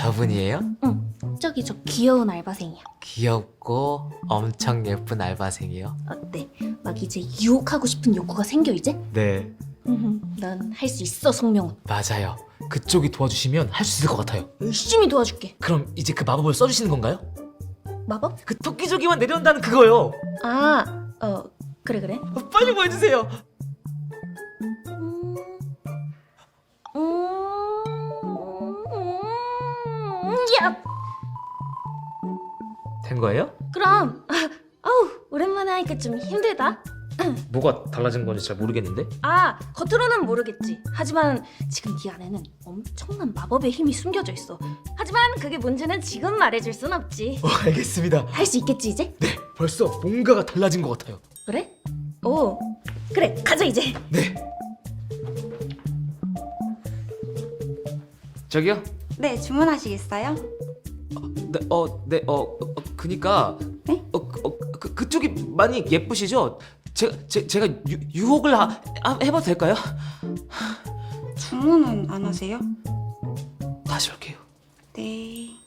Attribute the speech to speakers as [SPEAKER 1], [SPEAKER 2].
[SPEAKER 1] 저분이에요?
[SPEAKER 2] 응, 저기 저 귀여운 알바생이야.
[SPEAKER 1] 귀엽고 엄청 예쁜 알바생이요?
[SPEAKER 2] 어때? 막 이제 유혹하고 싶은 욕구가 생겨 이제?
[SPEAKER 1] 네,
[SPEAKER 2] 넌 할 수 있어, 송명훈.
[SPEAKER 1] 맞아요. 그쪽이 도와주시면 할 수 있을 것 같아요.
[SPEAKER 2] 열심히 도와줄게.
[SPEAKER 1] 그럼 이제 그 마법을 써주시는 건가요?
[SPEAKER 2] 마법?
[SPEAKER 1] 그 토끼조기만 내려온다는 그거요.
[SPEAKER 2] 그래 그래.
[SPEAKER 1] 빨리 보여주세요.
[SPEAKER 2] 음, 야!
[SPEAKER 1] 된 거예요?
[SPEAKER 2] 그럼. 아우, 오랜만에 하니까 좀 힘들다.
[SPEAKER 1] 뭐가 달라진 건지 잘 모르겠는데?
[SPEAKER 2] 겉으로는 모르겠지. 하지만 지금 네 안에는 엄청난 마법의 힘이 숨겨져 있어. 하지만 그게 뭔지는 지금 말해줄 순 없지.
[SPEAKER 1] 알겠습니다.
[SPEAKER 2] 할 수 있겠지 이제?
[SPEAKER 1] 네, 벌써 뭔가가 달라진 것 같아요.
[SPEAKER 2] 그래? 오, 그래, 가자 이제.
[SPEAKER 1] 네. 저기요?
[SPEAKER 3] 네, 주문하시겠어요?
[SPEAKER 1] 그니까
[SPEAKER 3] 네?
[SPEAKER 1] 그쪽이 많이 예쁘시죠? 제가 유혹을 해봐도 될까요?
[SPEAKER 3] 주문은 안 하세요?
[SPEAKER 1] 다시 올게요.
[SPEAKER 3] 네.